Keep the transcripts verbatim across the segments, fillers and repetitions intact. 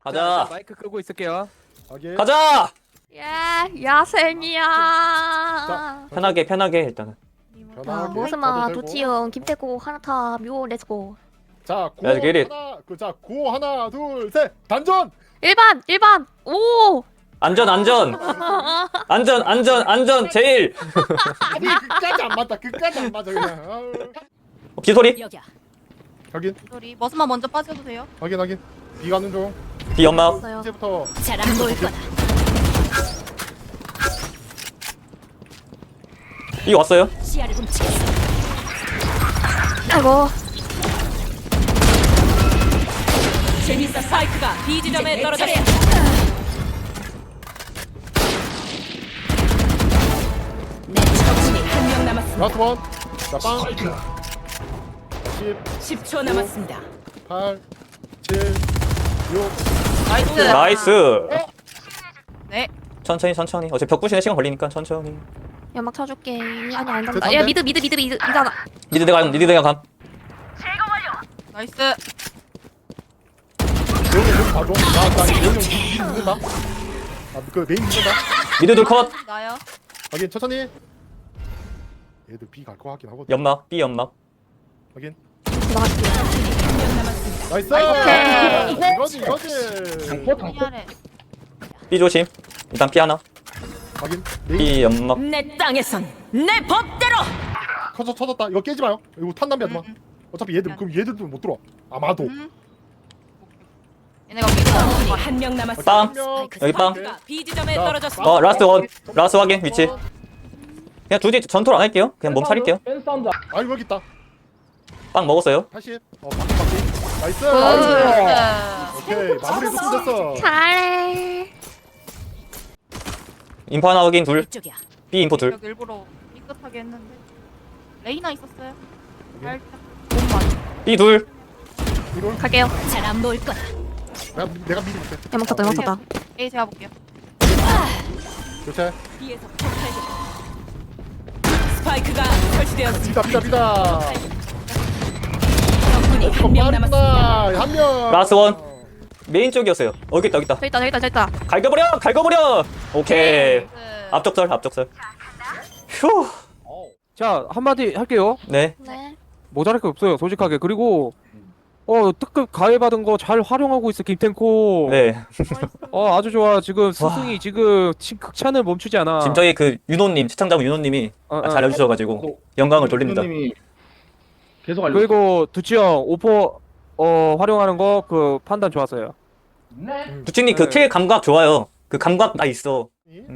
가자. 마이크 끄고 있을게요. 오케이. 가자. 야, 야생이야. 편하게 편하게 일단은. 자, 편하게 모스마, 가도 되고. 도치영, 김태고, 하나타, 묘, 렛츠고. 자, 고 Let's get it. 하나, 그, 자, 고 하나, 둘, 셋, 단전. 일 번, 일 번, 오! 안전 안전 안전 안전 안전 제일. 아니 끝까지 안 맞다. 끝까지 안 맞아 그냥. 아유. 어, 비소리. 여기야. 확인, 소리. 머스만 먼저 빠져도 돼요? 확인, 확인. 비 가는 중. 비 연막. 없어요. 이제부터 잘안 보일 거다. 비 왔어요. 시야를 훔치겠어. 아이고. 재밌어. 스파이크가 B 지점에 떨어졌어. 내 적군이 한 명 남았습니다. 라스트 원. 자, 빵. 십, 십 초 남았습니다. 팔, 칠, 육. 나이스. 나이스. 네. 천천히 천천히. 어차피 벽 부시는 시간 걸리니까 천천히. 연막 쳐줄게. 아니, 안 된다. 됐다. 야, 미드, 미드, 미드, 미드, 미드 하나. 니드 내가 감. 니드 내가 감. 나이스. 여기 여기 봐줘. 나, 나 여기 여기 믿는다. 아, 그 메인 믿는다. 미드 둘 컷. 나요. 확인, 천천히. 얘들 비 갈 거 같긴 하거든. 연막. B 연막. 확인. 나갈게요. 한 명 남았습니다. 나이스. 오케이. 이거지, 이거지. 미안해. B 조심. 일단 B 하나. 확인. 메인 B 연막. 내 땅에선 내 법대로. 터져 터졌다. 이거 깨지 마요. 이거 탄 낭비 하지 마. 어차피 얘들 그럼 얘들도 못 들어와. 아마도. 음. 얘네가 미드 한명 남았어. 빵. 한 명. 여기 빵. 스파이크가 B 지점에 자, 떨어졌어. 어 라스트 원. 라스트 확인 위치. 그냥 둘이 전투를 안 할게요. 그냥 몸 차릴게요. 아 여기 있다. 빵 먹었어요. 팔십. 어 바퀴 바퀴. 나이스. 나이스. 오케이 마무리 좀 됐어. 잘해. 인포 하나 확인 둘. 이쪽이야. B 인포 둘. 여기 일부러 삐끗하게 했는데 레이나 있었어요. 살짝. B 둘. 이걸 갈게요. 잘 안 보일 거다. 내가 내가 미리 볼게. 연막 쳤다, 연막 쳤다. A 제가 볼게요. 교체. B에서 폭발적. 스파이크가 설치되었습니다. 비다 비다 비다. 적군이 한 명 남았습니다. 빠르다 한 명. 라스트 원. 메인 쪽이었어요. 어, 여기 있다 여기 있다. 저기 있다, 저기 있다, 저기 있다. 갈겨버려 갈겨버려. 오케이. 그 앞적설 앞적설. 휴. 자, 한마디 할게요. 네. 네. 모자랄 게 없어요, 솔직하게. 그리고 어 특급 가해 받은 거 잘 활용하고 있어, 김탱코. 네. 어 아주 좋아. 지금 스승이 지금 치- 극찬을 멈추지 않아. 지금 저희 그 윤호님 시청자분 윤호님이 어, 어. 잘 해주셔가지고 영광을 돌립니다. 님이 계속 알려. 그리고 두치형 오퍼 어 활용하는 거 그 판단 좋았어요. 두친님 그 네. 킬 감각 좋아요. 그 감각 나 있어.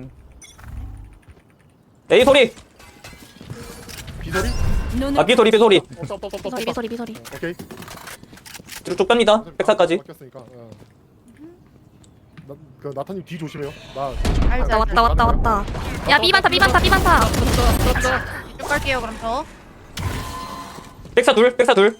A 소리. 비소리. 눈을 아 B 소리 B 소리. 없다 없다 없다 비소리, 비소리, 비소리. 오케이. 쭉쭉 뺍니다. 백사까지. 바뀌었으니까. 어. 나, 그 나타님 뒤 조심해요. 나 알지 왔다, 왔다, 왔다, 왔다. 야, 비 많다, 비 많다, 비 많다. 이쪽 갈게요 그럼 저. 백사 둘 백사 둘.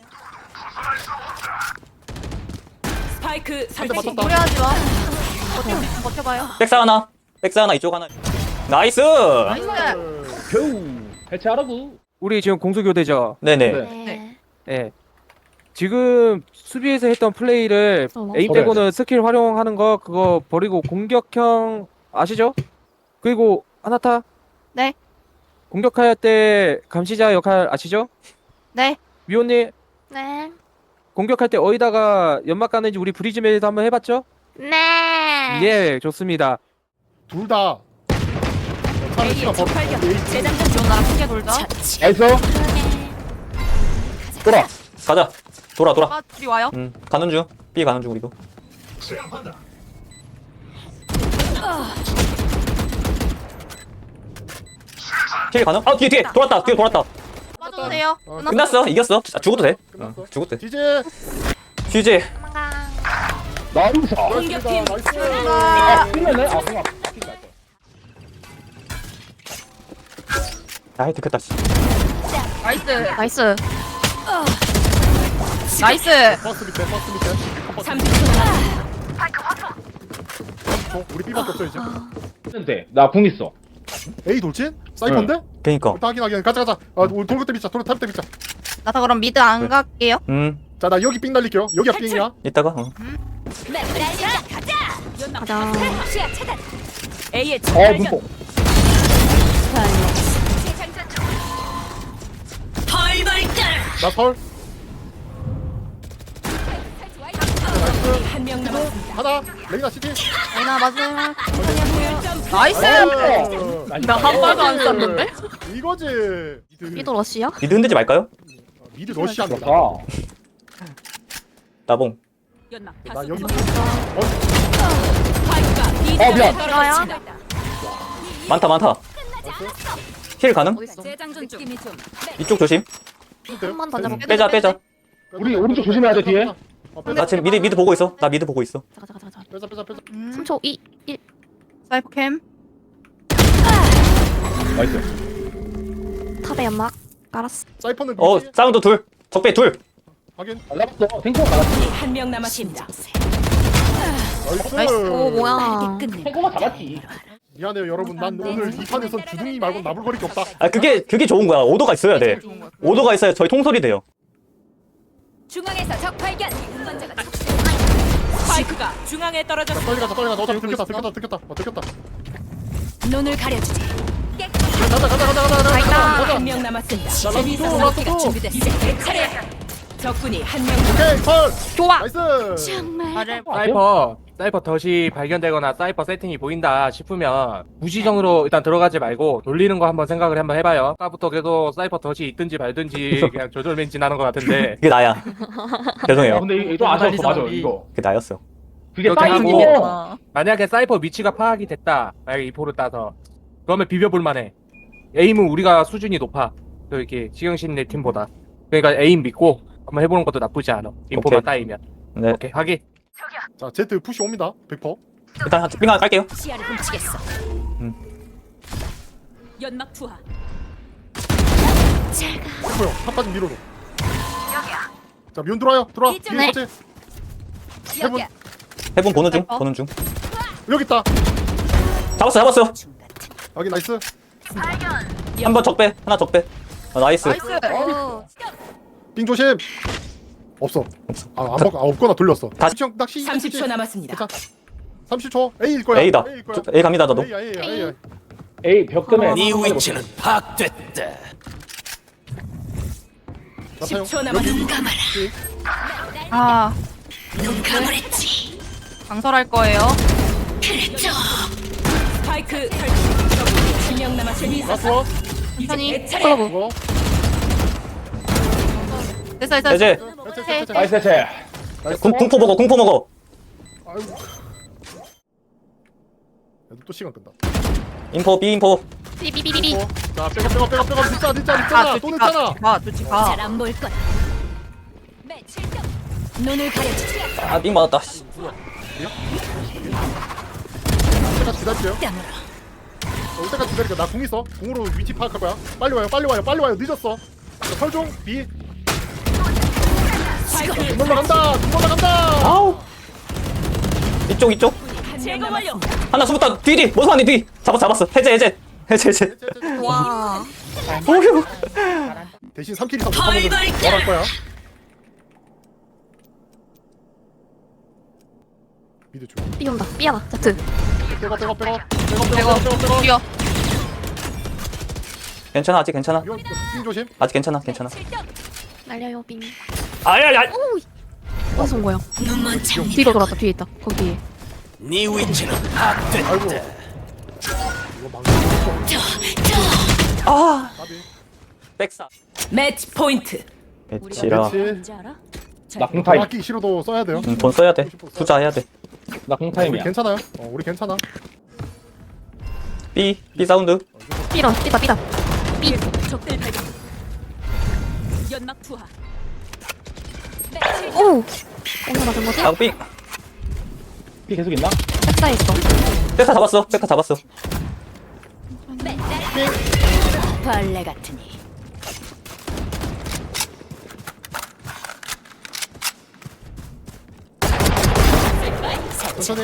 스파이크 설치. 맞췄다. 무리하지 마. 버텨, 버텨봐요. 백사 하나. 백사 하나 이쪽 하나. 나이스. 나이스. 겨우 해체하라고. 우리 지금 공수교대죠. 네네. 네. 예. 지금 수비에서 했던 플레이를 어머. A 빼고는 스킬 활용하는 거 그거 버리고 공격형 아시죠? 그리고 하나타. 네. 공격할 때 감시자 역할 아시죠? 네. 미호님 네. 공격할 때 어디다가 연막 가는지 우리 브리즈메이도 한번 해봤죠? 네. 예, 좋습니다. 둘 다. 차를 치가 버. 발견. 재장전 중 나랑 크게 돌자. 나이스. 돌아. 가자. 돌아 돌아. 아 둘이 와요. 음 가는 중. B 가는 중 우리도. 킬 가능? 아 뒤에 뒤에 돌았다. 뒤에 돌았다. 빠져도 돼요. 어, 끝났어. 이겼어. 아, 죽어도 돼. 끝났어. 어, 죽어도 돼. 지제. 휴지. 도망가. 나이스. 공격팀 나이스. 아, 끝났네. 아, 그냥 아이 들켰다. 씨. 나이스. 나이스. 나이스. 버스 밑에 버스 밑에. 삼십 초 남았습니다. 어, 우리 B밖에 없어 이제. 했는데 나궁 있어. A 돌진? 사이퍼인데? 그니까. 확인 확인. 가자 가자. 아 우리 돌고 때 비자. 돌고 탑때 비자. 나 다 그럼 미드 안 갈게요. 음 자 나 여기 삥 날릴게요. 여기가 삥이야. 이따가. 어. 네, 가자. 가자. A의 어 눈뽕. 나 설. 한명 남았습니다. 하나. 레이나 시티. 레이나 마지막. 나이스. 어. 나 한 발도 안 쐈는데? 이거지. 미드. 삐도 러시야? 미드 흔들지 말까요? 미드 러시아입니다. 좋다. 나봉. 연막 나 다수 여기. 스파이크가 B 어, 미안. 지점에 떨어졌습니다. 많다 많다. 힐 가능? 어딨어? 재장전 중. 느낌이 좀 이쪽 조심. 한번 던져볼게. 빼자 빼자. 우리 오른쪽 조심해야 돼, 뒤에. 어, 빼자. 나 지금 미드 미드 보고 있어. 나 미드 보고 있어. 가자 가자 가자. 빼자 빼자 빼자. 음. 삼 초 이 일. 사이퍼 캠. 나이스. 탑에 연막 깔았어. 사이퍼는 어 미지? 사운드 둘. 적배 둘. 확인. 잘라봤어. 탱커가 나갔지. 한명 남았습니다. 나이스. 나이스. 오 뭐야? 탱커가 잡았지. 미안해요 여러분. 난 오늘 이 판에서 주둥이 말고 나불거릴 게 없다. 아 그게 그게 좋은 거야. 오도가 있어야 돼. 좋은 것 같아. 오도가 있어야 저희 통솔이 돼요. 중앙에서 적 발견. 운반자가 스파이크가 중앙에 자, 떨어졌습니다. 빨리 가자 빨리 가자. 어차피 들켰다 들켰다 들켰다. 어 들켰다. 눈을 가려주지. 가자 가자 가자 가자 가자. 가자. 한명 남았습니다. 자, 재미있어 라스트, 먹기가 라스트. 준비됐어. 내 차례. 적군이 한명 오케이 펄. 좋아. 나이스. 정말. 말을 사이퍼 사이퍼 덫이 발견되거나 사이퍼 세팅이 보인다 싶으면 무지정으로 일단 들어가지 말고 돌리는 거 한번 생각을 한번 해봐요. 아까부터 계속 사이퍼 덫이 있든지 말든지 그냥 조절맨진하는 것 같은데 그게 나야. 죄송해요. 근데 이거 안 잡았어, 맞아, 이거. 그게 나였어. 그게 이렇게 사이고. 하고 만약에 사이퍼 위치가 파악이 됐다 만약에 이 포를 따서 그러면 비벼볼 만해. 에임은 우리가 수준이 높아 또 이렇게 지경신의 팀보다. 그러니까 에임 믿고 한번 해보는 것도 나쁘지 않아. 인포만 오케이. 따이면. 네. 오케이 확인. 자 제트 푸시 옵니다. 백 퍼센트. 일단 빙하 깔게요. 시야를 훔치겠어. 음. 연막 투하. 됐고요. 탑까지 밀어줘. 자 미온 들어와요. 들어와. 이쯤 뒤에 네. 터치. 해본. 여기야. 해본 보는 중. 사이퍼. 보는 중. 여기 있다. 잡았어 잡았어. 여기 나이스. 한 번 적배. 하나 적배. 어, 나이스. 나이스. 오. 빙 조심. 없어. 아, 안 먹, 아 없거나 돌렸어. 다시. 시 낚시. 삼십 초 남았습니다. 괜찮. 삼십 초. A일 거야. A다. A일 거야. 저- A 갑니다 나도. A, A, A, A. 에이, 벽금에. 네 위치는 파악됐다. 자, 사용. 십 초 남았습니다. 아. 강설할 거예요. 스파이크 설치. 적군이 한명 남았습니다. 라스워. 천천히. 내 차례. 클로브. 그거. 됐어 됐어. 이제 됐어, 됐어, 됐어. 나이스, 해체. 나이스. 궁, 궁포 먹어. 궁포 먹어. 아이고. 얘도 또 시간 끈다. 인포 B 인포. 삐삐삐삐. 어, 자, 빼가 빼가 빼가 빼가 늦자 늦자 늦잖아. 또 늦잖아. 가. 두치 가. 잘 안 보일 거야. 매칠점. 눈을 가려주지. 아빙 맞았다. 씨. 때까지 기다릴게요. 땀으로. 어, 올 때까지 기다릴게요. 나궁 있어. 궁으로 위치 파악할 거야. 빨리 와요. 빨리 와요. 빨리 와요. 늦었어. 자, 설종 B. 스파이크를 등 올라간다. 등 올라간다. 아우. 이쪽 이쪽. 제거 완료. 하나 숨었다. 뒤 뒤. 모습 안에 뒤. 잡았 잡았어. 해제 해제. 해제 해제. 와. 오휴. 대신 삼 킬 이상 못 하면 뭐할 거야? 미드 줘. 삐 온다. 삐 하나. 자트. 빼가 빼가 빼가 빼가 빼고. 빼가 빼가 빼가. 뛰어. 괜찮아 아직 괜찮아. 이거 빙 조심. 아직 괜찮아 괜찮아. 날려요 빙. 아야야. 어디서 온 거야? 뒤로 돌았다. 뒤에 있다. 거기 뒤에. 네 위치는 파악됐다. 아이고. 이거 망치. 아. 까비. 백사. 매치 포인트. 배치라. 그렇지. 뭔지 알아? 나 공타임. 아끼기 싫어도 써야 돼요. 음, 돈 써야 돼. 투자해야 돼. 나 우리 공타임이야. 괜찮아요. 어, 우리 괜찮아. B B 사운드. 삐라. 삐다 삐다. 적들 발견. 연막 투하. 오. 오늘 맞은 거지? 아 B. 피 계속 있나? 백사에 있어. 백사 잡았어. 백사 잡았어. 벌레 같으니. 천천히.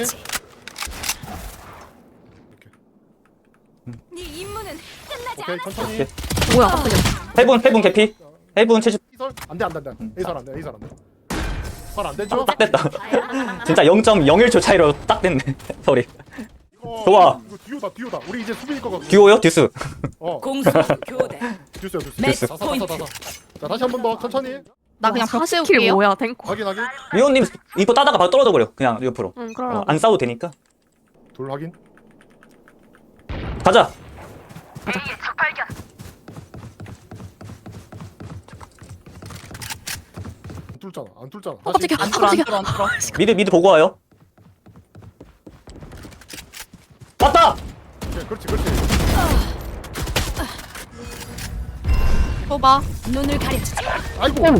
네 임무는 끝나지 오케이 않았어. 천천히. 오케이. 뭐야? 깜짝이야. 해븐 해븐 개피. 해븐 칠십. A설 안돼 안돼 안돼. A설 안돼 A설 안돼. 발 안 되죠? 딱 됐다. 진짜 영 점 영일 초 차이로 딱 됐네. 소리. 이거, 좋아. 이거 듀오다 듀오다. 우리 이제 수비일 거거든. 듀오요? 듀스. 어 공수 교대. 듀스야 듀스. 매치 다사 다사 포인트. 다사. 자 다시 한 번 더 천천히. 나 그냥 벽 스킬 세울게요. 뭐야 탱커. 확인 확인. 위원님 이거 따다가 바로 떨어져 버려. 그냥 옆으로. 응 어, 그럼. 안 싸워도 되니까. 돌 확인. 가자. 안 뚫잖아. 안 뚫잖아. 어, 깜짝이야. 안 뚫어 안 깜짝이야. 뚫어 안 뚫어. 미드 미드 보고 와요. 왔다. 오케이, 그렇지 그렇지. 또 봐. 눈을 가려주지. 아이고. 적군이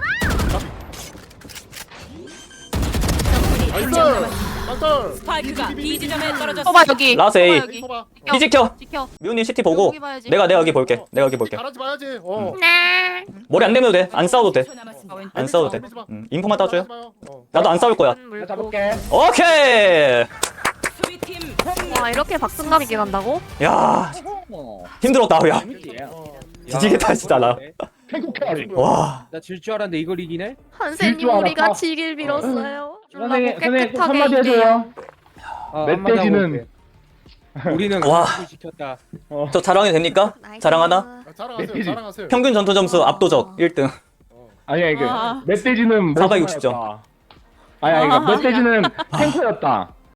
나이스. 한명 남았습니다. 나이스. 스파이크가 B 지점에 또 떨어졌습니다. 봐 여기. 라스 또 봐, A. 여기. 봐봐. 피 지켜. 지켜. 미호님 시티 보고. 여기 봐야지. 내가 내가 여기 볼게. 내가 여기 볼게. 잘하지 마야지. 어. 머리 안 내면 돼. 안 싸워도 돼. 초 남았습니다. 아, 왼쪽. 안 싸워도 돼. 밀지 마. 음, 인포만 따줘요. 하지 마요. 어. 나도 안 싸울 거야. 내가 잡을게. 오케이. 수비팀 와 이렇게 박승감 있게 간다고? 야 어. 힘들었다 야. 재밌지. 어. 뒤지겠다 진짜 나. 탱크 캐리. 와. 나 질 줄 알았는데 이걸 이기네? 한세님 질줄 우리가 알았다. 지길 빌었어요. 선생님, 졸라고 선생님 꼭 깨끗하게 한마디 이기네요. 해줘요. 아, 멧돼지는- 한마디 하고 올게. 우리는 와. 와. 시켰다. 저 자랑이 됩니까? 자랑 하나? 아, 자랑하세요. 멧돼지. 자랑하세요. 평균 전투 점수 압도적 일 등. 어. 아니야 이게 아. 멧돼지는 사백육십 점. 몬스터였다. 아니야 이거 멧돼지는 탱크였다.